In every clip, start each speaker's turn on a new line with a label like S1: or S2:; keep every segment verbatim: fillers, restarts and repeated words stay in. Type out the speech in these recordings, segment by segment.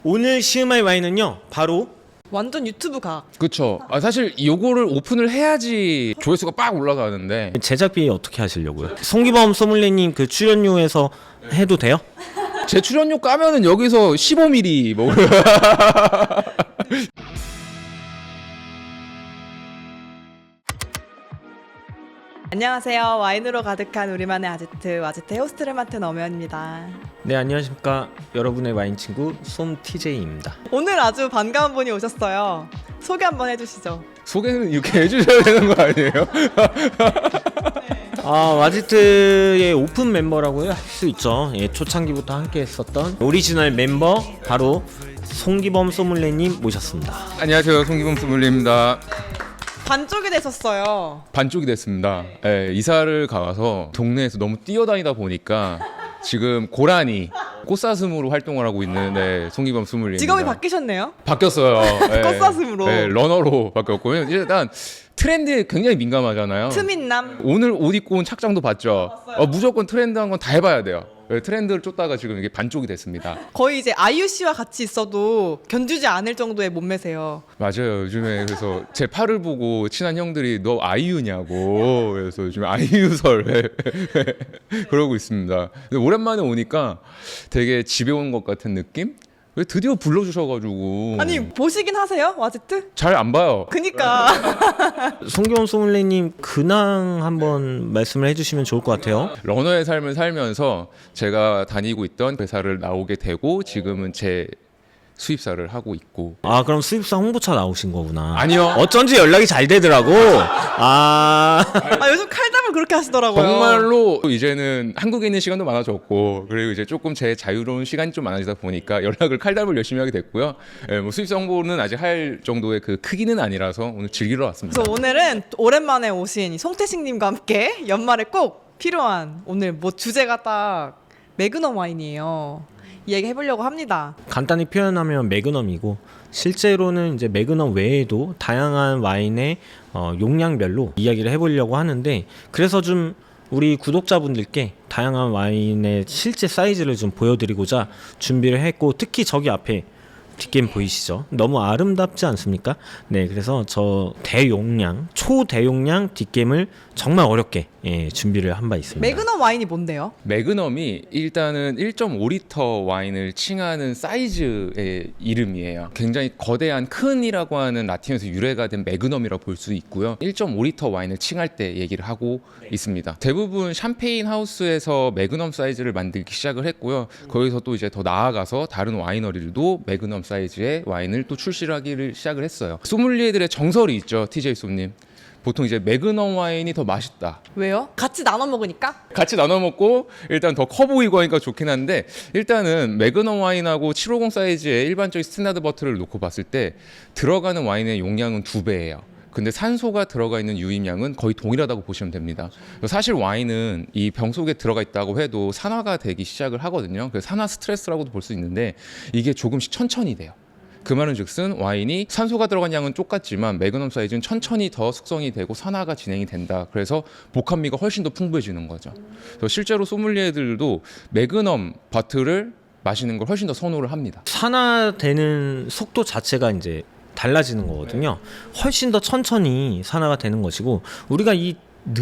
S1: 오늘 시음할 와인은요 바로
S2: 완전 유튜브 각.
S3: 그쵸. 아, 사실 요거를 오픈을 해야지 조회수가 빡 올라가는데
S1: 제작비 어떻게 하시려고요? 송기범 소믈리님 그 출연료에서 해도 돼요?
S3: 제 출연료 까면은 여기서 십오 밀리리터 뭐
S2: 안녕하세요. 와인으로 가득한 우리만의 아지트 와지트 호스트를 맡은 엄연입니다.
S1: 네, 안녕하십니까 여러분의 와인 친구 솜티제이입니다.
S2: 오늘 아주 반가운 분이 오셨어요. 소개 한번 해주시죠.
S3: 소개는 이렇게 해주셔야 되는 거 아니에요?
S1: 아, 와지트의 오픈 멤버라고 할 수 있죠. 예, 초창기부터 함께 했었던 오리지널 멤버 바로 송기범 소믈리님 모셨습니다.
S3: 안녕하세요, 송기범 소믈리입니다.
S2: 반쪽이 되셨어요.
S3: 반쪽이 됐습니다. 예, 이사를 가서 동네에서 너무 뛰어다니다 보니까 지금 고라니 꽃사슴으로 활동을 하고 있는 네, 송기범 소믈리입니다.
S2: 직업이 바뀌셨네요.
S3: 바뀌었어요. 예.
S2: 꽃사슴으로.
S3: 예, 러너로 바뀌었고 일단 트렌드에 굉장히 민감하잖아요.
S2: 트민남.
S3: 오늘 옷 입고 온 착장도 봤죠. 어, 무조건 트렌드한 건 다 해봐야 돼요. 예, 트렌드를 쫓다가 지금 이게 반쪽이 됐습니다.
S2: 거의 이제 아이유 씨와 같이 있어도 견주지 않을 정도의 몸매세요.
S3: 맞아요. 요즘에 그래서 제 팔을 보고 친한 형들이 너 아이유냐고 그래서 요즘 아이유설 그러고 있습니다. 근데 오랜만에 오니까 되게 집에 온 것 같은 느낌? 왜 드디어 불러주셔가지고
S2: 아니 보시긴 하세요? 와지트?
S3: 잘 안 봐요.
S2: 그니까.
S1: 송기범 소믈리님 근황 한번 말씀을 해주시면 좋을 것 같아요.
S3: 러너의 삶을 살면서 제가 다니고 있던 회사를 나오게 되고 지금은 제 수입사를 하고 있고.
S1: 아, 그럼 수입사 홍보차 나오신 거구나.
S3: 아니요.
S1: 어쩐지 연락이 잘 되더라고. 아,
S2: 아 요즘 칼담을 그렇게 하시더라고요.
S3: 정말로 이제는 한국에 있는 시간도 많아졌고 그리고 이제 조금 제 자유로운 시간이 좀 많아지다 보니까 연락을 칼담을 열심히 하게 됐고요. 예, 뭐 수입사 홍보는 아직 할 정도의 그 크기는 아니라서 오늘 즐기러 왔습니다.
S2: 그래서 오늘은 오랜만에 오신 송태식님과 함께 연말에 꼭 필요한 오늘 뭐 주제가 딱 매그넘 와인이에요. 이야기 해보려고 합니다.
S1: 간단히 표현하면 매그넘이고 실제로는 이제 매그넘 외에도 다양한 와인의 어, 용량별로 이야기를 해보려고 하는데 그래서 좀 우리 구독자분들께 다양한 와인의 실제 사이즈를 좀 보여드리고자 준비를 했고 특히 저기 앞에 뒷겜 보이시죠? 너무 아름답지 않습니까? 네, 그래서 저 대용량, 초대용량 뒷겜을 정말 어렵게 예, 준비를 한 바 있습니다.
S2: 매그넘 와인이 뭔데요?
S3: 매그넘이 일단은 일 점 오 리터 와인을 칭하는 사이즈의 이름이에요. 굉장히 거대한 큰이라고 하는 라틴에서 유래가 된 매그넘이라고 볼 수 있고요. 일 점 오 리터 와인을 칭할 때 얘기를 하고 네. 있습니다. 대부분 샴페인 하우스에서 매그넘 사이즈를 만들기 시작을 했고요. 거기서 또 이제 더 나아가서 다른 와이너리들도 매그넘 사이즈의 와인을 또 출시를 하기를 시작을 했어요. 소믈리에들의 정설이 있죠, 티제이 솜님. 보통 이제 매그넘 와인이 더 맛있다.
S2: 왜요? 같이 나눠 먹으니까?
S3: 같이 나눠 먹고 일단 더 커 보이고 하니까 좋긴 한데 일단은 매그넘 와인하고 칠백오십 사이즈의 일반적인 스탠다드 버틀을 놓고 봤을 때 들어가는 와인의 용량은 두 배예요. 근데 산소가 들어가 있는 유입량은 거의 동일하다고 보시면 됩니다. 사실 와인은 이 병 속에 들어가 있다고 해도 산화가 되기 시작을 하거든요. 그래서 산화 스트레스라고도 볼 수 있는데 이게 조금씩 천천히 돼요. 그 말은 즉슨 와인이 산소가 들어간 양은 똑같지만 매그넘 사이즈는 천천히 더 숙성이 되고 산화가 진행이 된다. 그래서 복합미가 훨씬 더 풍부해지는 거죠. 그래서 실제로 소믈리에들도 매그넘 버틀을 마시는 걸 훨씬 더 선호를 합니다.
S1: 산화되는 속도 자체가 이제 달라지는 거거든요. 훨씬 더 천천히 산화가 되는 것이고 우리가 이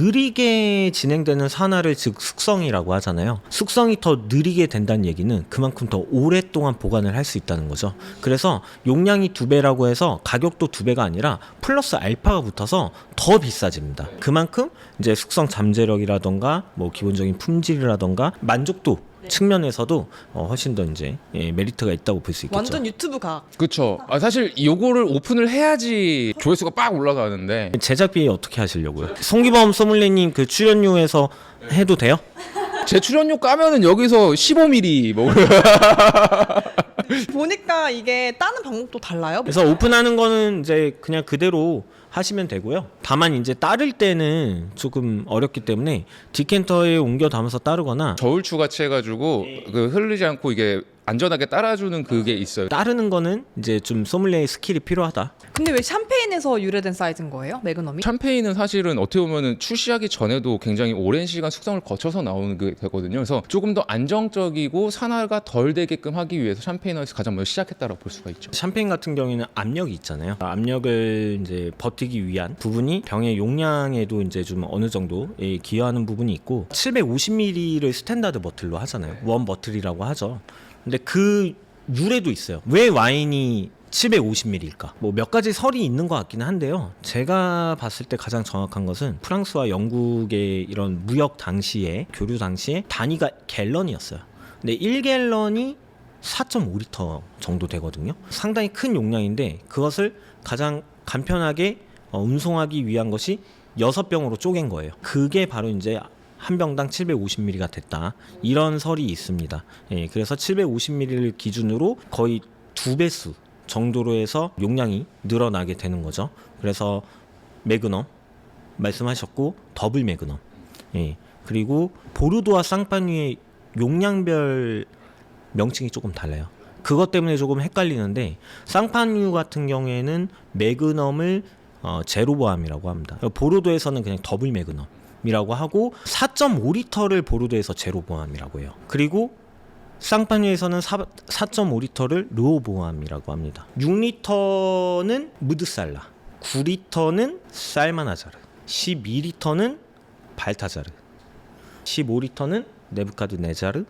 S1: 느리게 진행되는 산화를 즉 숙성이라고 하잖아요. 숙성이 더 느리게 된다는 얘기는 그만큼 더 오랫동안 보관을 할 수 있다는 거죠. 그래서 용량이 두 배라고 해서 가격도 두 배가 아니라 플러스 알파가 붙어서 더 비싸집니다. 그만큼 이제 숙성 잠재력이라던가 뭐 기본적인 품질이라던가 만족도 측면에서도 어, 훨씬 더 이제 예, 메리트가 있다고 볼 수 있겠죠.
S2: 완전 유튜브 각.
S3: 그렇죠. 아, 사실 요거를 오픈을 해야지 조회수가 빡 올라가는데
S1: 제작비 어떻게 하시려고요? 송기범 소믈리님 그 출연료에서 해도 돼요?
S3: 제 출연료 까면은 여기서 십오 밀리리터 뭐
S2: 보니까 이게 따는 방법도 달라요?
S1: 그래서 오픈하는 거는 이제 그냥 그대로 하시면 되고요. 다만 이제 따를 때는 조금 어렵기 때문에 디켄터에 옮겨 담아서 따르거나
S3: 저울 추가치 해가지고 그 흐르지 않고 이게 안전하게 따라주는 그게 있어요.
S1: 따르는 거는 이제 좀 소믈리에의 스킬이 필요하다.
S2: 근데 왜 샴페인에서 유래된 사이즈인 거예요? 매그넘이?
S3: 샴페인은 사실은 어떻게 보면은 출시하기 전에도 굉장히 오랜 시간 숙성을 거쳐서 나오는 게 되거든요. 그래서 조금 더 안정적이고 산화가 덜 되게끔 하기 위해서 샴페인을 가장 먼저 시작했다고 볼 수가 있죠.
S1: 샴페인 같은 경우에는 압력이 있잖아요. 압력을 이제 버티기 위한 부분이 병의 용량에도 이제 좀 어느 정도 예, 기여하는 부분이 있고 칠백오십 밀리리터를 스탠다드 버틀로 하잖아요. 원 버틀이라고 하죠. 근데 그 유래도 있어요. 왜 와인이 칠백오십 밀리리터일까? 뭐 몇 가지 설이 있는 것 같기는 한데요. 제가 봤을 때 가장 정확한 것은 프랑스와 영국의 이런 무역 당시에 교류 당시에 단위가 갤런이었어요. 근데 일 갤런이 사 점 오 리터 정도 되거든요. 상당히 큰 용량인데 그것을 가장 간편하게 어, 운송하기 위한 것이 여섯 병으로 쪼갠 거예요. 그게 바로 이제 한 병당 칠백오십 밀리리터가 됐다. 이런 설이 있습니다. 예, 그래서 칠백오십 밀리리터를 기준으로 거의 두 배수 정도로 해서 용량이 늘어나게 되는 거죠. 그래서 매그넘 말씀하셨고 더블 매그넘. 예, 그리고 보르도와 쌍파뉴의 용량별 명칭이 조금 달라요. 그것 때문에 조금 헷갈리는데 쌍파뉴 같은 경우에는 매그넘을 어, 제로 보암이라고 합니다. 보르도에서는 그냥 더블 매그넘이라고 하고 사 점 오 리터를 보르도에서 제로 보암이라고 해요. 그리고 쌍파뉴에서는 사 점 오 리터를 르오 보암이라고 합니다. 육 리터는 무드살라, 구 리터는 살마나자르, 십이 리터는 발타자르, 십오 리터는 네부카드네자르.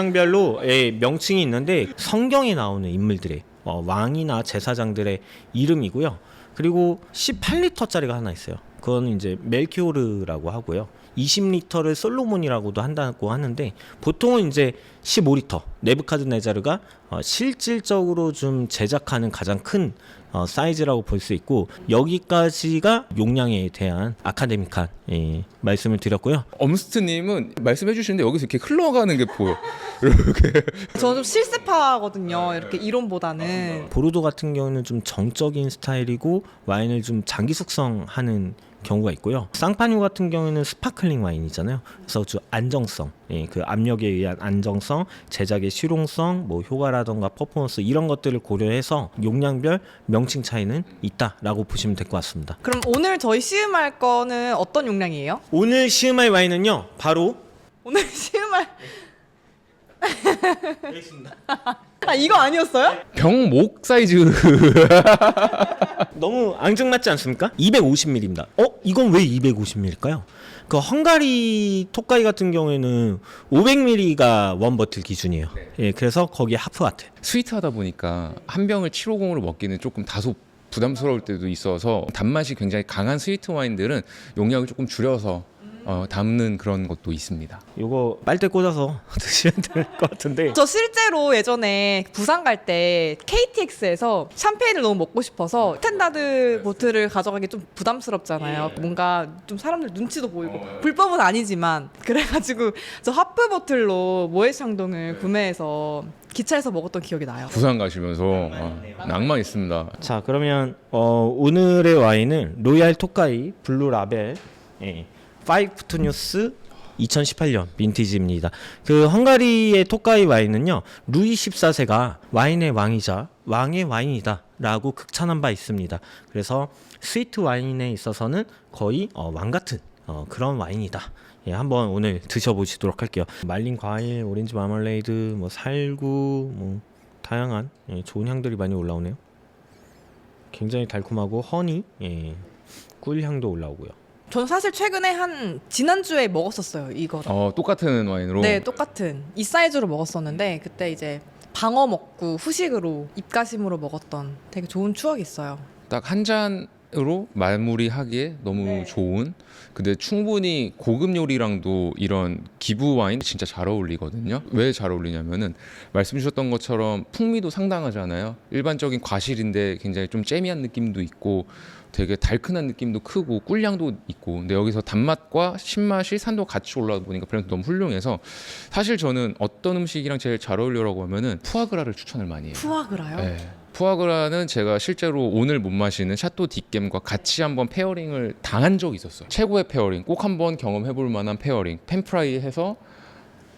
S1: 용량별로의 명칭이 있는데 성경에 나오는 인물들의 어, 왕이나 제사장들의 이름이고요. 그리고 십팔 리터짜리가 하나 있어요. 그건 이제 멜키오르라고 하고요. 이십 리터를 솔로몬이라고도 한다고 하는데 보통은 이제 십오 리터 네부카드네자르가 어, 실질적으로 좀 제작하는 가장 큰 어, 사이즈라고 볼 수 있고 여기까지가 용량에 대한 아카데믹한 예, 말씀을 드렸고요.
S3: 엄스트님은 말씀해 주시는데 여기서 이렇게 흘러가는 게 보여.
S2: 저는 좀 실습하거든요. 이렇게 이론보다는.
S1: 보르도 같은 경우는 좀 정적인 스타일이고 와인을 좀 장기 숙성하는 경우가 있고요. 쌍파뉴 같은 경우에는 스파클링 와인이잖아요. 그래서 좀 안정성, 예, 그 압력에 의한 안정성, 제작의 실용성, 뭐 효과라던가 퍼포먼스 이런 것들을 고려해서 용량별 명칭 차이는 있다라고 보시면 될 것 같습니다.
S2: 그럼 오늘 저희 시음할 거는 어떤 용량이에요?
S1: 오늘 시음할 와인은요, 바로
S2: 오늘 시음할 아 이거 아니었어요?
S3: 병목 사이즈.
S1: 너무 앙증맞지 않습니까? 이백오십 밀리리터입니다. 어? 이건 왜 이백오십 밀리리터일까요? 그 헝가리 토카이 같은 경우에는 오백 밀리리터가 원 버틀 기준이에요.
S3: 네.
S1: 예, 그래서 거기에 하프 와트.
S3: 스위트하다 보니까 한 병을 칠백오십으로 먹기는 조금 다소 부담스러울 때도 있어서 단맛이 굉장히 강한 스위트 와인들은 용량을 조금 줄여서 어, 담는 그런 것도 있습니다.
S1: 요거 빨대 꽂아서 드시면 될 것 같은데.
S2: 저 실제로 예전에 부산 갈 때 케이티엑스에서 샴페인을 너무 먹고 싶어서 스탠다드 보틀을 가져가기 좀 부담스럽잖아요. 뭔가 좀 사람들 눈치도 보이고 불법은 아니지만 그래가지고 저 하프 보틀로 모에샹동을 구매해서 기차에서 먹었던 기억이 나요.
S3: 부산 가시면서 어, 낭만 있습니다.
S1: 자, 그러면 어, 오늘의 와인은 로얄 토카이 블루 라벨 예, 파이브 투뉴스 이천십팔 년 빈티지입니다. 그 헝가리의 토카이 와인은요, 루이 십사 세가 와인의 왕이자 왕의 와인이다 라고 극찬한 바 있습니다. 그래서 스위트 와인에 있어서는 거의 어, 왕 같은 어, 그런 와인이다. 예, 한번 오늘 드셔보시도록 할게요. 말린 과일, 오렌지 마멀레이드, 뭐 살구, 뭐 다양한 예, 좋은 향들이 많이 올라오네요. 굉장히 달콤하고 허니, 예, 꿀 향도 올라오고요.
S2: 저는 사실 최근에 한 지난주에 먹었었어요 이거를.
S3: 어, 똑같은 와인으로.
S2: 네, 똑같은 이 사이즈로 먹었었는데 그때 이제 방어 먹고 후식으로 입가심으로 먹었던 되게 좋은 추억이 있어요.
S3: 딱 한 잔으로 마무리하기에 너무
S2: 네.
S3: 좋은. 근데 충분히 고급 요리랑도 이런 기부 와인 진짜 잘 어울리거든요. 왜 잘 어울리냐면은 말씀 주셨던 것처럼 풍미도 상당하잖아요. 일반적인 과실인데 굉장히 좀 잼미한 느낌도 있고 되게 달큰한 느낌도 크고 꿀향도 있고, 근데 여기서 단맛과 신맛이 산도 같이 올라오다 보니까 밸런스 너무 훌륭해서 사실 저는 어떤 음식이랑 제일 잘 어울려라고 하면은 푸아그라를 추천을 많이 해요.
S2: 푸아그라요?
S3: 네. 푸아그라는 제가 실제로 오늘 못 마시는 샤또 뒷겜과 같이 한번 페어링을 당한 적이 있었어요. 최고의 페어링, 꼭 한번 경험해볼 만한 페어링. 팬프라이 해서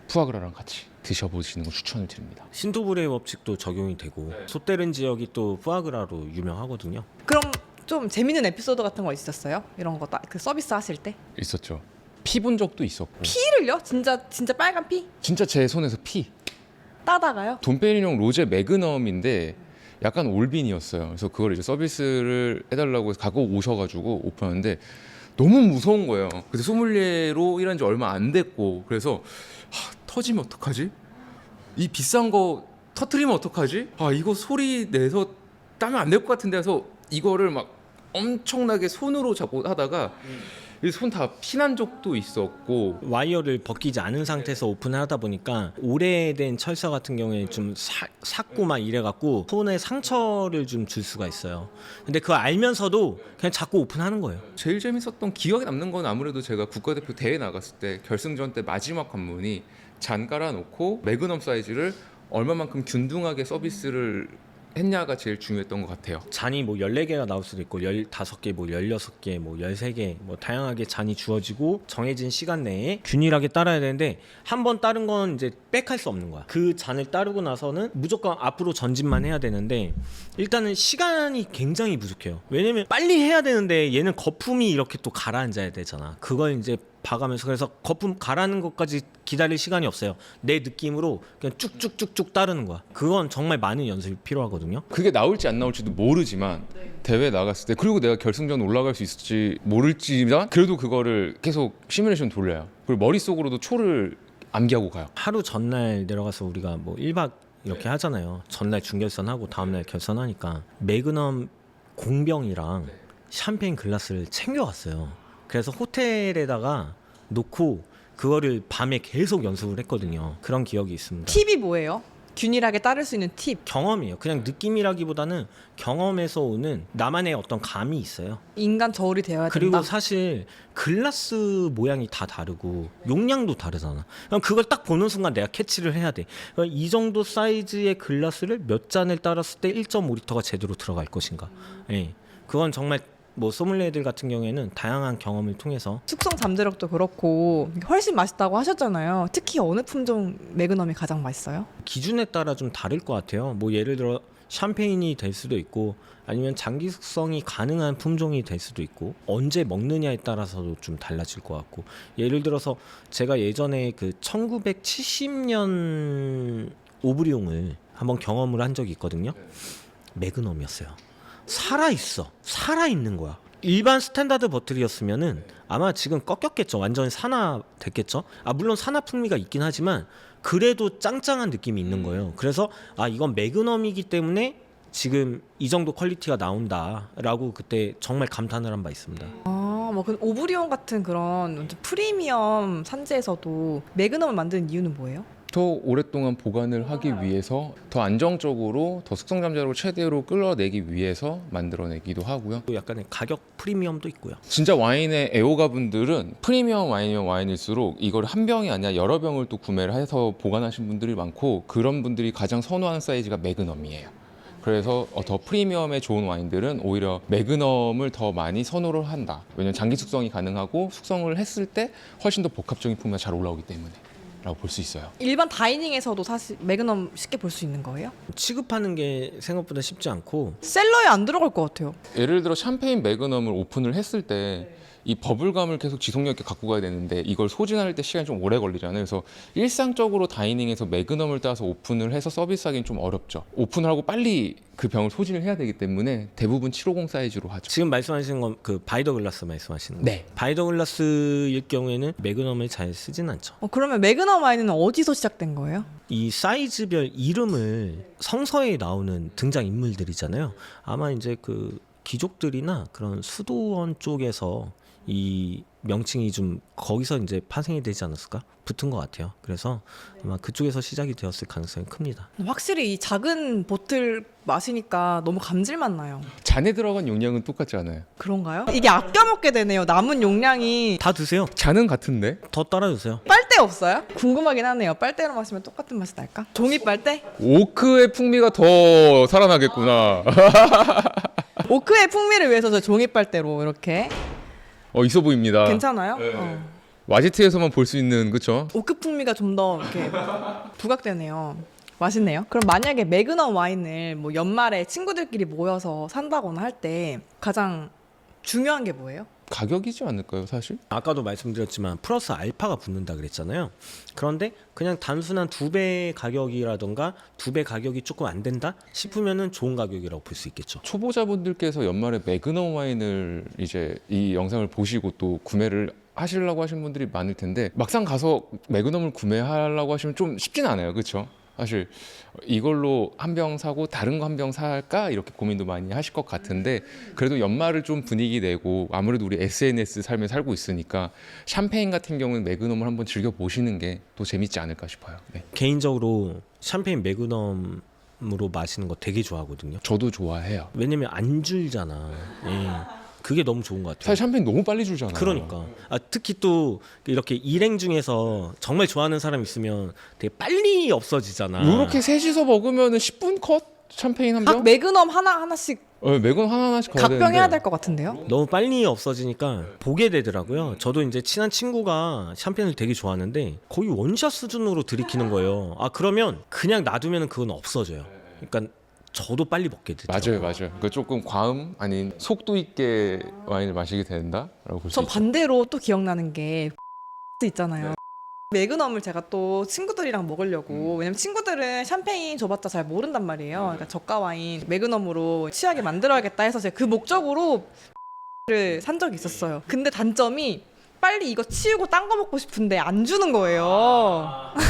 S3: 푸아그라랑 같이 드셔보시는 거 추천을 드립니다.
S1: 신토불의 법칙도 적용이 되고 소테른 지역이 또 푸아그라로 유명하거든요.
S2: 그럼 좀 재밌는 에피소드 같은 거 있었어요? 이런 거 그 서비스 하실 때?
S3: 있었죠. 피 본 적도 있었고.
S2: 피를요? 진짜 진짜 빨간 피?
S3: 진짜 제 손에서 피.
S2: 따다가요?
S3: 돈페리뇽 로제 매그넘인데 약간 올빈이었어요. 그래서 그걸 이제 서비스를 해달라고 해서 갖고 오셔가지고 오픈하는데 너무 무서운 거예요. 그래서 소믈리에로 일한 지 얼마 안 됐고 그래서 하, 터지면 어떡하지? 이 비싼 거 터트리면 어떡하지? 아 이거 소리 내서 따면 안 될 것 같은데 해서 이거를 막 엄청나게 손으로 잡고 하다가 손 다 피난 적도 있었고
S1: 와이어를 벗기지 않은 상태에서 오픈을 하다 보니까 오래된 철사 같은 경우에 좀 사, 삭고 막 이래갖고 손에 상처를 좀 줄 수가 있어요. 근데 그거 알면서도 그냥 자꾸 오픈하는 거예요.
S3: 제일 재밌었던 기억에 남는 건 아무래도 제가 국가대표 대회 나갔을 때 결승전 때 마지막 관문이 잔 깔아놓고 매그넘 사이즈를 얼마만큼 균등하게 서비스를 했냐가 제일 중요했던 것 같아요.
S1: 잔이 뭐 열네 개가 나올 수도 있고 열다섯 개, 뭐 열여섯 개, 뭐 열세 개 뭐 다양하게 잔이 주어지고 정해진 시간 내에 균일하게 따라야 되는데 한 번 따른 건 이제 빽할 수 없는 거야. 그 잔을 따르고 나서는 무조건 앞으로 전진만 해야 되는데 일단은 시간이 굉장히 부족해요. 왜냐면 빨리 해야 되는데 얘는 거품이 이렇게 또 가라앉아야 되잖아. 그걸 이제 봐가면서 그래서 거품 가라앉는 것까지 기다릴 시간이 없어요. 내 느낌으로 그냥 쭉쭉쭉쭉 따르는 거야. 그건 정말 많은 연습이 필요하거든요.
S3: 그게 나올지 안 나올지도 모르지만 대회 나갔을 때 그리고 내가 결승전 올라갈 수 있을지 모를지만 그래도 그거를 계속 시뮬레이션 돌려요. 그리고 머릿속으로도 초를 암기하고 가요.
S1: 하루 전날 내려가서 우리가 뭐 일 박 이렇게 하잖아요. 전날 준결선하고 다음날 결선하니까 매그넘 공병이랑 샴페인 글라스를 챙겨왔어요. 그래서 호텔에다가 놓고 그거를 밤에 계속 연습을 했거든요. 그런 기억이 있습니다.
S2: 팁이 뭐예요? 균일하게 따를 수 있는 팁.
S1: 경험이에요. 그냥 느낌이라기보다는 경험에서 오는 나만의 어떤 감이 있어요.
S2: 인간 저울이 되어야
S1: 그리고
S2: 된다.
S1: 사실 글라스 모양이 다 다르고 용량도 다르잖아. 그럼 그걸 딱 보는 순간 내가 캐치를 해야 돼. 그러니까 이 정도 사이즈의 글라스를 몇 잔을 따랐을 때 일 점 오 리터가 제대로 들어갈 것인가. 예. 그건 정말 뭐 소믈리에들 같은 경우에는 다양한 경험을 통해서
S2: 숙성 잠재력도 그렇고 훨씬 맛있다고 하셨잖아요. 특히 어느 품종 매그넘이 가장 맛있어요?
S1: 기준에 따라 좀 다를 것 같아요. 뭐 예를 들어 샴페인이 될 수도 있고 아니면 장기 숙성이 가능한 품종이 될 수도 있고 언제 먹느냐에 따라서도 좀 달라질 것 같고 예를 들어서 제가 예전에 그 천구백칠십 년 오브리옹을 한번 경험을 한 적이 있거든요. 매그넘이었어요. 살아있어. 살아있는 거야. 일반 스탠다드 버틀이었으면은 아마 지금 꺾였겠죠. 완전히 산화 됐겠죠. 아 물론 산화 풍미가 있긴 하지만 그래도 짱짱한 느낌이 있는 거예요. 그래서 아 이건 매그넘이기 때문에 지금 이 정도 퀄리티가 나온다라고 그때 정말 감탄을 한 바 있습니다.
S2: 아, 뭐 그 오브리온 같은 그런 완전 프리미엄 산지에서도 매그넘을 만드는 이유는 뭐예요?
S3: 더 오랫동안 보관을 하기 위해서 더 안정적으로 더 숙성 잠재력을 최대로 끌어내기 위해서 만들어내기도 하고요.
S1: 또 약간의 가격 프리미엄도 있고요.
S3: 진짜 와인의 애호가 분들은 프리미엄 와인이면 와인일수록 이걸 한 병이 아니라 여러 병을 또 구매를 해서 보관하신 분들이 많고 그런 분들이 가장 선호하는 사이즈가 매그넘이에요. 그래서 더 프리미엄에 좋은 와인들은 오히려 매그넘을 더 많이 선호를 한다. 왜냐면 장기 숙성이 가능하고 숙성을 했을 때 훨씬 더 복합적인 풍미가 잘 올라오기 때문에 라고 볼 수 있어요.
S2: 일반 다이닝에서도 사실 매그넘 쉽게 볼 수 있는 거예요?
S1: 취급하는 게 생각보다 쉽지 않고
S2: 셀러에 안 들어갈 것 같아요.
S3: 예를 들어 샴페인 매그넘을 오픈을 했을 때 이 버블감을 계속 지속력 있게 갖고 가야 되는데 이걸 소진할 때 시간이 좀 오래 걸리잖아요. 그래서 일상적으로 다이닝에서 매그넘을 따서 오픈을 해서 서비스하기는 좀 어렵죠. 오픈을 하고 빨리 그 병을 소진을 해야 되기 때문에 대부분 칠백오십 사이즈로 하죠.
S1: 지금 말씀하시는 건 그 바이더 글라스 말씀하시는 거예요?
S3: 네.
S1: 바이더 글라스일 경우에는 매그넘을 잘 쓰진 않죠.
S2: 어, 그러면 매그넘 와인은 어디서 시작된 거예요?
S1: 이 사이즈별 이름을 성서에 나오는 등장 인물들이잖아요. 아마 이제 그 귀족들이나 그런 수도원 쪽에서 이 명칭이 좀 거기서 이제 파생이 되지 않았을까? 붙은 것 같아요. 그래서 아마 그쪽에서 시작이 되었을 가능성이 큽니다.
S2: 확실히 이 작은 보틀 마시니까 너무 감질맛 나요.
S3: 잔에 들어간 용량은 똑같지 않아요.
S2: 그런가요? 이게 아껴 먹게 되네요. 남은 용량이.
S1: 다 드세요.
S3: 잔은 같은데?
S1: 더 따라주세요.
S2: 빨대 없어요? 궁금하긴 하네요. 빨대로 마시면 똑같은 맛이 날까? 종이 빨대?
S3: 오크의 풍미가 더 살아나겠구나.
S2: 오크의 풍미를 위해서 저 종이 빨대로 이렇게.
S3: 어 있어 보입니다.
S2: 괜찮아요?
S3: 네.
S2: 어.
S3: 와지트에서만 볼 수 있는 그쵸?
S2: 오크 풍미가 좀 더 이렇게 부각되네요. 맛있네요. 그럼 만약에 매그넘 와인을 뭐 연말에 친구들끼리 모여서 산다거나 할 때 가장 중요한 게 뭐예요?
S3: 가격이지 않을까요, 사실?
S1: 아까도 말씀드렸지만 플러스 알파가 붙는다 그랬잖아요. 그런데 그냥 단순한 두 배 가격이라던가 두 배 가격이 조금 안 된다 싶으면은 좋은 가격이라고 볼 수 있겠죠.
S3: 초보자분들께서 연말에 매그넘 와인을 이제 이 영상을 보시고 또 구매를 하시려고 하시는 분들이 많을 텐데 막상 가서 매그넘을 구매하려고 하시면 좀 쉽진 않아요, 그렇죠? 사실 이걸로 한 병 사고 다른 거 한 병 살까 이렇게 고민도 많이 하실 것 같은데 그래도 연말을 좀 분위기 내고 아무래도 우리 에스엔에스 삶에 살고 있으니까 샴페인 같은 경우는 매그넘을 한번 즐겨 보시는 게 또 재밌지 않을까 싶어요. 네.
S1: 개인적으로 샴페인 매그넘으로 마시는 거 되게 좋아하거든요.
S3: 저도 좋아해요.
S1: 왜냐면 안 줄잖아. 예. 그게 너무 좋은 것 같아요.
S3: 사실 샴페인 너무 빨리 줄잖아요.
S1: 그러니까 아, 특히 또 이렇게 일행 중에서 정말 좋아하는 사람 있으면 되게 빨리 없어지잖아.
S3: 이렇게 셋이서 먹으면 십 분 컷 샴페인 한
S2: 각
S3: 병?
S2: 매그넘 하나 하나씩
S3: 어, 매건 하나 하나씩 가야 되는데.
S2: 각병해야 될 것 같은데요?
S1: 너무 빨리 없어지니까 보게 되더라고요. 저도 이제 친한 친구가 샴페인을 되게 좋아하는데 거의 원샷 수준으로 들이키는 거예요. 아 그러면 그냥 놔두면 그건 없어져요. 그러니까 저도 빨리 먹게 되죠.
S3: 맞아요, 맞아요. 그러니까 조금 과음 아닌 속도 있게 와인을 마시게 된다라고 볼 수
S2: 전
S3: 있죠.
S2: 반대로 또 기억나는 게 있잖아요. 매그넘을 제가 또 친구들이랑 먹으려고 왜냐면 친구들은 샴페인 줘봤자 잘 모른단 말이에요. 그러니까 저가 와인 매그넘으로 취하게 만들어야겠다 해서 제가 그 목적으로 를 산 적이 있었어요. 근데 단점이 빨리 이거 치우고 딴 거 먹고 싶은데 안 주는 거예요.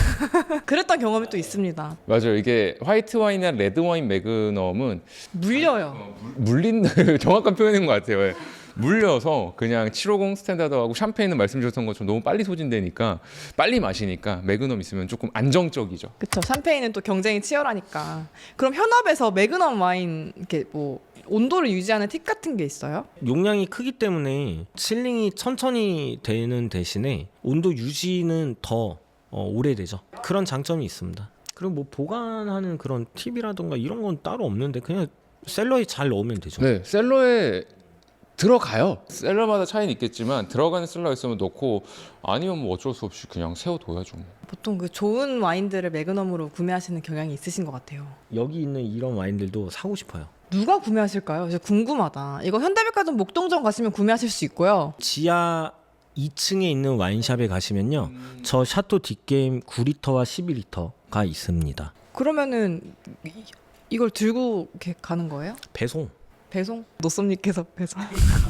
S2: 그랬던 경험이 또 있습니다.
S3: 맞아요. 이게 화이트 와인이나 레드 와인 매그넘은
S2: 물려요.
S3: 물린 정확한 표현인 것 같아요. 예. 물려서 그냥 칠백오십 스탠다드하고 샴페인은 말씀 주셨던 것처럼 너무 빨리 소진되니까 빨리 마시니까 매그넘 있으면 조금 안정적이죠.
S2: 그쵸. 샴페인은 또 경쟁이 치열하니까. 그럼 현업에서 매그넘 와인 이렇게 뭐 온도를 유지하는 팁 같은 게 있어요?
S1: 용량이 크기 때문에 칠링이 천천히 되는 대신에 온도 유지는 더 어, 오래되죠. 그런 장점이 있습니다. 그리고 뭐 보관하는 그런 팁이라던가 이런 건 따로 없는데 그냥 셀러에 잘 넣으면 되죠.
S3: 네, 셀러에 들어가요. 셀러마다 차이는 있겠지만 들어가는 셀러 있으면 넣고 아니면 뭐 어쩔 수 없이 그냥 세워둬야죠.
S2: 보통 그 좋은 와인들을 매그넘으로 구매하시는 경향이 있으신 것 같아요.
S1: 여기 있는 이런 와인들도 사고 싶어요.
S2: 누가 구매하실까요? 진짜 궁금하다. 이거 현대백화점 목동점 가시면 구매하실 수 있고요.
S1: 지하 이 층에 있는 와인샵에 가시면요. 저 샤토 뒷게임 구 리터와 십이 리터가 있습니다.
S2: 그러면은 이, 이걸 들고 이렇게 가는 거예요?
S1: 배송.
S2: 배송? 노쏘님께서 배송.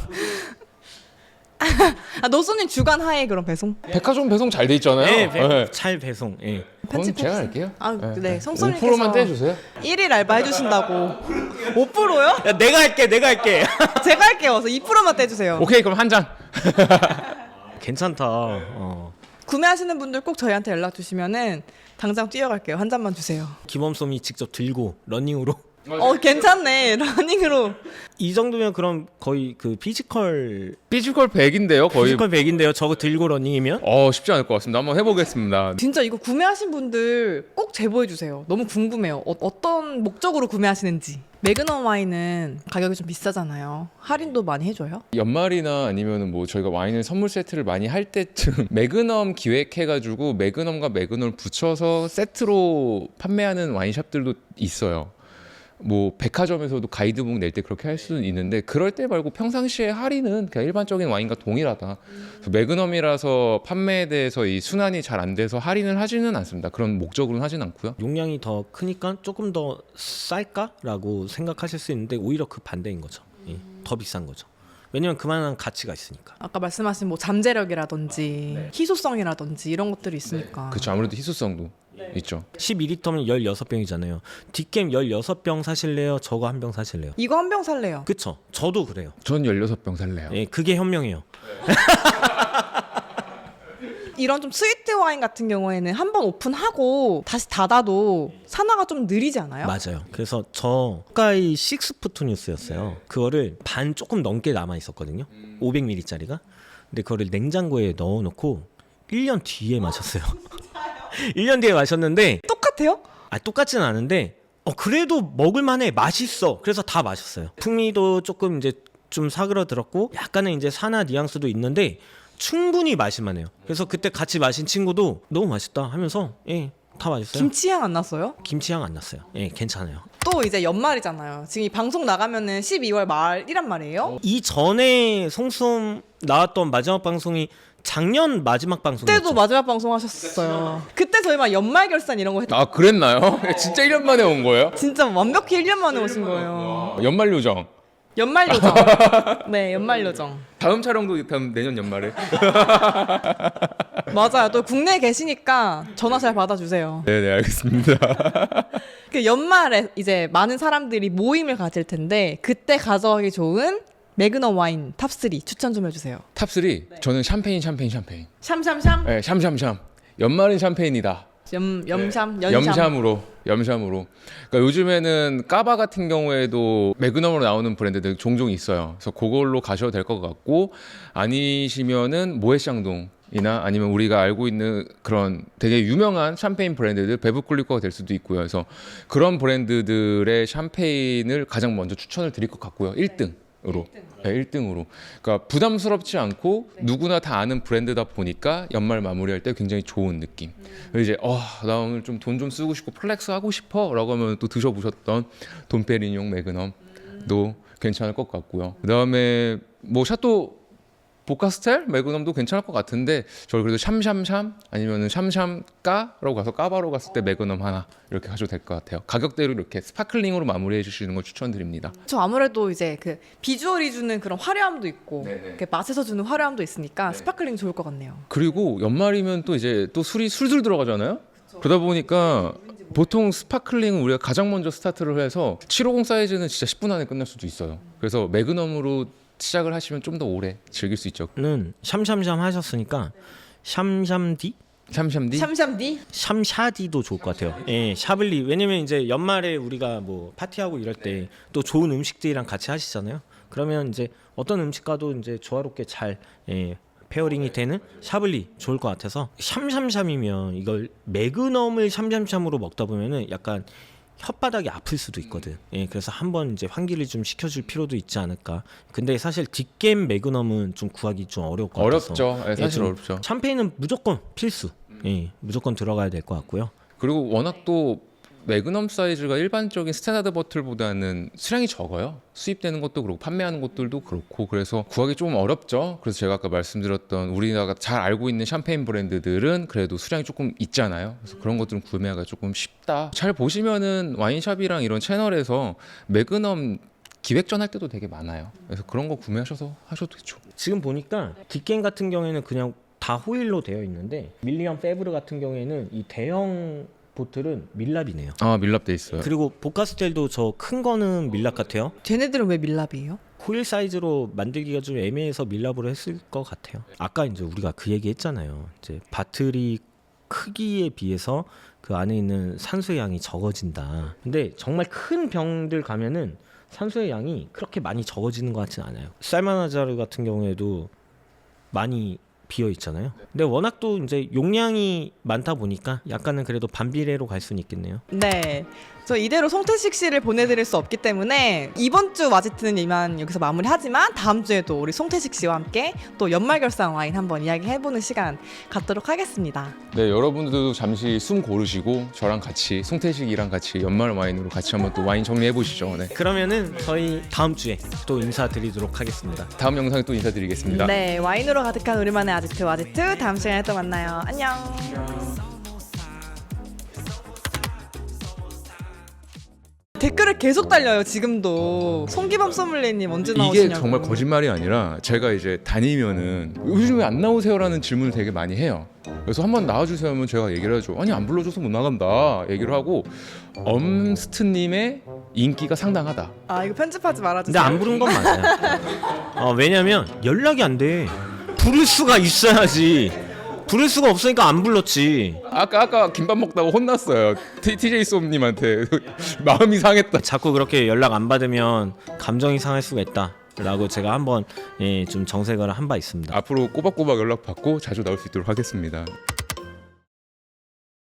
S2: 아, 노쏘님 주간 하에 그럼 배송?
S3: 백화점 배송 잘 돼 있잖아요.
S1: 네, 배,
S3: 네.
S1: 잘 배송. 예.
S3: 그건
S2: 편집해주세요.
S3: 제가 할게요.
S2: 아, 네.
S3: 오
S2: 성소님께서
S3: 퍼센트만 떼주세요.
S2: 일 일 알바 해주신다고. 오 퍼센트요?
S1: 야, 내가 할게, 내가 할게.
S2: 제가 할게요. 그래서 이 퍼센트만 떼주세요.
S3: 오케이, 그럼 한 잔.
S1: 괜찮다. 어.
S2: 구매하시는 분들 꼭 저희한테 연락 주시면은 당장 뛰어갈게요. 한 잔만 주세요.
S1: 김범솜이 직접 들고 러닝으로.
S2: 어, 괜찮네. 러닝으로.
S1: 이 정도면 그럼 거의 그 피지컬
S3: 피지컬 백인데요, 거의.
S1: 피지컬 백인데요. 저거 들고 러닝이면?
S3: 어 쉽지 않을 것 같습니다. 한번 해보겠습니다.
S2: 진짜 이거 구매하신 분들 꼭 제보해 주세요. 너무 궁금해요. 어, 어떤 목적으로 구매하시는지. 매그넘 와인은 가격이 좀 비싸잖아요. 할인도 많이 해줘요?
S3: 연말이나 아니면은 뭐 저희가 와인을 선물 세트를 많이 할 때쯤 매그넘 기획해가지고 매그넘과 매그넘을 붙여서 세트로 판매하는 와인샵들도 있어요. 뭐 백화점에서도 가이드북 낼 때 그렇게 할 수는 있는데 그럴 때 말고 평상시에 할인은 그냥 일반적인 와인과 동일하다. 그래서 매그넘이라서 판매에 대해서 이 순환이 잘 안 돼서 할인을 하지는 않습니다. 그런 목적으로는 하진 않고요.
S1: 용량이 더 크니까 조금 더 쌀까라고 생각하실 수 있는데 오히려 그 반대인 거죠. 예. 더 비싼 거죠. 왜냐면 그만한 가치가 있으니까.
S2: 아까 말씀하신 뭐 잠재력이라든지 희소성이라든지 이런 것들이 있으니까.
S3: 그렇죠. 아무래도 희소성도 있죠.
S1: 십이 리터면 십육 병이잖아요. 뒷겜 십육 병 사실래요? 저거 한 병 사실래요?
S2: 이거 한 병 살래요.
S1: 그쵸? 저도 그래요.
S3: 전 십육 병 살래요.
S1: 예, 그게 현명해요.
S2: 이런 좀 스위트 와인 같은 경우에는 한 번 오픈하고 다시 닫아도 산화가 좀 느리지 않아요?
S1: 맞아요. 그래서 저 가까이 식스푸트 뉴스였어요. 그거를 반 조금 넘게 남아 있었거든요. 오백 밀리리터짜리가. 근데 그거를 냉장고에 넣어놓고 일 년 뒤에 마셨어요. 일 년 뒤에 마셨는데
S2: 똑같아요?
S1: 아 똑같진 않은데 어 그래도 먹을만해. 맛있어. 그래서 다 마셨어요. 풍미도 조금 이제 좀 사그러들었고 약간의 이제 산화 뉘앙스도 있는데 충분히 마실만해요. 그래서 그때 같이 마신 친구도 너무 맛있다 하면서 예, 다 맛있어요.
S2: 김치향 안 났어요?
S1: 김치향 안 났어요. 예, 괜찮아요.
S2: 또 이제 연말이잖아요. 지금 이 방송 나가면은 십이월 말이란 말이에요.
S1: 이 전에 송수음 나왔던 마지막 방송이 작년 마지막 방송이었죠.
S2: 그때도 마지막 방송 하셨어요. 그때 저희 막 연말 결산 이런 거 했.
S3: 아 그랬나요? 진짜 일 년 만에 온 거예요?
S2: 진짜 완벽히 일 년 만에 오신 거예요.
S3: 연말 요정.
S2: 연말 요정. 네, 연말 요정.
S3: 다음 촬영도 다음 내년 연말에.
S2: 맞아요. 또 국내에 계시니까 전화 잘 받아주세요.
S3: 네네 알겠습니다.
S2: 그 연말에 이제 많은 사람들이 모임을 가질 텐데 그때 가져가기 좋은 매그넘 와인 탑삼 추천 좀 해주세요.
S3: 탑삼 저는 샴페인 샴페인 샴페인.
S2: 샴샴샴?
S3: 네, 샴샴샴. 연말은 샴페인이다.
S2: 염, 염샴?
S3: 네.
S2: 연샴?
S3: 염샴으로 염샴으로. 그러니까 요즘에는 까바 같은 경우에도 매그넘으로 나오는 브랜드들 종종 있어요. 그래서 그걸로 가셔도 될 것 같고 아니시면은 모에샹동이나 아니면 우리가 알고 있는 그런 되게 유명한 샴페인 브랜드들 베브클리커가 될 수도 있고요. 그래서 그런 브랜드들의 샴페인을 가장 먼저 추천을 드릴 것 같고요. 일 등으로. 네, 일 등으로. 그러니까 부담스럽지 않고 누구나 다 아는 브랜드다 보니까 연말 마무리할 때 굉장히 좋은 느낌. 이제 어, 나 오늘 좀 돈 좀 쓰고 싶고 플렉스 하고 싶어라고 하면 또 드셔보셨던 돈페리뇽 매그넘도 괜찮을 것 같고요. 그다음에 뭐 샤또 보카스텔 매그넘도 괜찮을 것 같은데 저를 그래도 샴샴샴 아니면은 샴샴까라고 가서 까바로 갔을 때 매그넘 하나 이렇게 가셔도 될 것 같아요. 가격대로 이렇게 스파클링으로 마무리해 주시는 걸 추천드립니다.
S2: 저 아무래도 이제 그 비주얼이 주는 그런 화려함도 있고
S3: 네네.
S2: 이렇게 맛에서 주는 화려함도 있으니까
S3: 네.
S2: 스파클링 좋을 것 같네요.
S3: 그리고 연말이면 또 이제 또 술이 술술 들어가잖아요. 그러다 보니까 보통 스파클링은 우리가 가장 먼저 스타트를 해서 칠백오십 사이즈는 진짜 십 분 안에 끝날 수도 있어요. 그래서 매그넘으로 시작을 하시면 좀 더 오래 즐길 수 있죠.
S1: 는 샴샴샴 하셨으니까 샴샴디?
S3: 샴샴디?
S2: 샴샴디?
S1: 샴샤디도 좋을 것 같아요. 예, 샤블리. 왜냐면 이제 연말에 우리가 뭐 파티하고 이럴 때 또 좋은 음식들이랑 같이 하시잖아요. 그러면 이제 어떤 음식과도 이제 조화롭게 잘 예, 페어링이 되는 샤블리 좋을 것 같아서 샴샴샴이면 이걸 매그넘을 샴샴샴으로 먹다 보면은 약간 혓바닥이 아플 수도 있거든. 예, 그래서 한번 이제 환기를 좀 시켜줄 필요도 있지 않을까. 근데 사실 뒷겜 매그넘은 좀 구하기 좀 어려울 것 같아서.
S3: 어렵죠. 예, 사실
S1: 좀
S3: 어렵죠.
S1: 샴페인은 무조건 필수. 예, 무조건 들어가야 될 것 같고요.
S3: 그리고 워낙 또 매그넘 사이즈가 일반적인 스탠다드 버틀보다는 수량이 적어요. 수입되는 것도 그렇고 판매하는 것들도 그렇고 그래서 구하기 좀 어렵죠. 그래서 제가 아까 말씀드렸던 우리나라가 잘 알고 있는 샴페인 브랜드들은 그래도 수량이 조금 있잖아요. 그래서 그런 것들은 구매하기가 조금 쉽다. 잘 보시면은 와인샵이랑 이런 채널에서 매그넘 기획전 할 때도 되게 많아요. 그래서 그런 거 구매하셔서 하셔도 좋죠.
S1: 지금 보니까 뒷겜 같은 경우에는 그냥 다 호일로 되어 있는데 밀리언 페브르 같은 경우에는 이 대형 보틀은 밀랍이네요.
S3: 아 밀랍 돼 있어요.
S1: 그리고 보카스텔도 저 큰 거는 밀랍 같아요.
S2: 쟤네들은 왜 밀랍이에요?
S1: 호일 사이즈로 만들기가 좀 애매해서 밀랍으로 했을 것 같아요. 아까 이제 우리가 그 얘기 했잖아요. 이제 바틀이 크기에 비해서 그 안에 있는 산소의 양이 적어진다. 근데 정말 큰 병들 가면은 산소의 양이 그렇게 많이 적어지는 것 같지는 않아요. 살마나자르 같은 경우에도 많이 비어 있잖아요. 근데 워낙 또 이제 용량이 많다 보니까 약간은 그래도 반비례로 갈 수는 있겠네요.
S2: 네. 저 이대로 송태식 씨를 보내드릴 수 없기 때문에 이번 주 와지트는 이만 여기서 마무리하지만 다음 주에도 우리 송태식 씨와 함께 또 연말 결산 와인 한번 이야기해보는 시간 갖도록 하겠습니다.
S3: 네, 여러분들도 잠시 숨 고르시고 저랑 같이 송태식이랑 같이 연말 와인으로 같이 한번 또 와인 정리해 보시죠. 네.
S1: 그러면은 저희 다음 주에 또 인사드리도록 하겠습니다.
S3: 다음 영상에 또 인사드리겠습니다.
S2: 네, 와인으로 가득한 우리만의 아지트 와지트 다음 시간에 또 만나요. 안녕. 댓글을 계속 달려요 지금도. 송기범 소믈리에님 언제 나오시냐고.
S3: 이게 정말 거짓말이 아니라 제가 이제 다니면은 요즘 왜 안 나오세요라는 질문을 되게 많이 해요. 그래서 한번 나와주세요 하면 제가 얘기를 하죠. 아니 안 불러줘서 못 나간다 얘기를 하고 엄스트님의 인기가 상당하다.
S2: 아 이거 편집하지 말아주세요.
S1: 근데 안 부른 건 맞아요. 어, 왜냐면 연락이 안 돼. 부를 수가 있어야지. 부를 수가 없으니까 안 불렀지.
S3: 아까 아까 김밥 먹다가 혼났어요. 티제이 쏨님한테 마음이 상했다.
S1: 자꾸 그렇게 연락 안 받으면 감정이 상할 수가 있다. 라고 제가 한번 예, 좀 정색을 한 바 있습니다.
S3: 앞으로 꼬박꼬박 연락 받고 자주 나올 수 있도록 하겠습니다.